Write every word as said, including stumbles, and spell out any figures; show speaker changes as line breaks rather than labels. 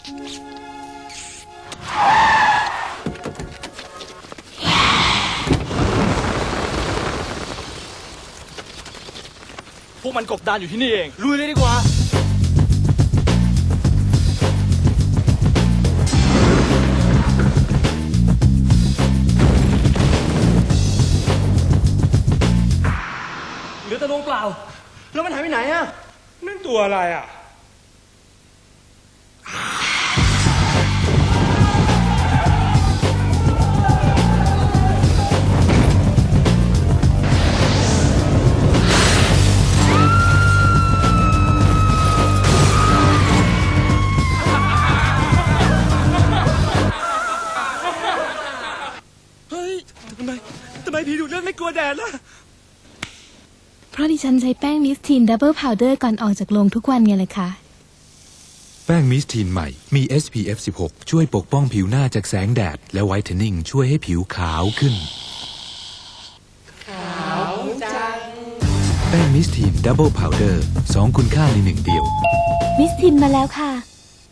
พวกมันกบดานอยู่ที่นี่เองลุยเลยดีกว่าเหลือแต่ดวงเปล่าแล้วมันหายไปไหนอะ
นั่นตัวอะไรอ่ะ
เฮ้ยทำไมทำไมผีดูดเลือดไม่กลัวแดดล่ะ
เพราะดิฉันใช้แป้งมิสทีนดับเบิลพาวเดอร์ก่อนออกจากโรงทุกวันไงเลยค่ะ
แป้งมิสทีนใหม่มี เอส พี เอฟ สิบหก ช่วยปกป้องผิวหน้าจากแสงแดดและไวท์เทนนิ่งช่วยให้ผิวขาวขึ้นขาวจังแป้งมิสทีนดับเบิลพาวเดอร์สองคุณค่าในหนึ่งเดียว
มิสทีนมาแล้วค่ะ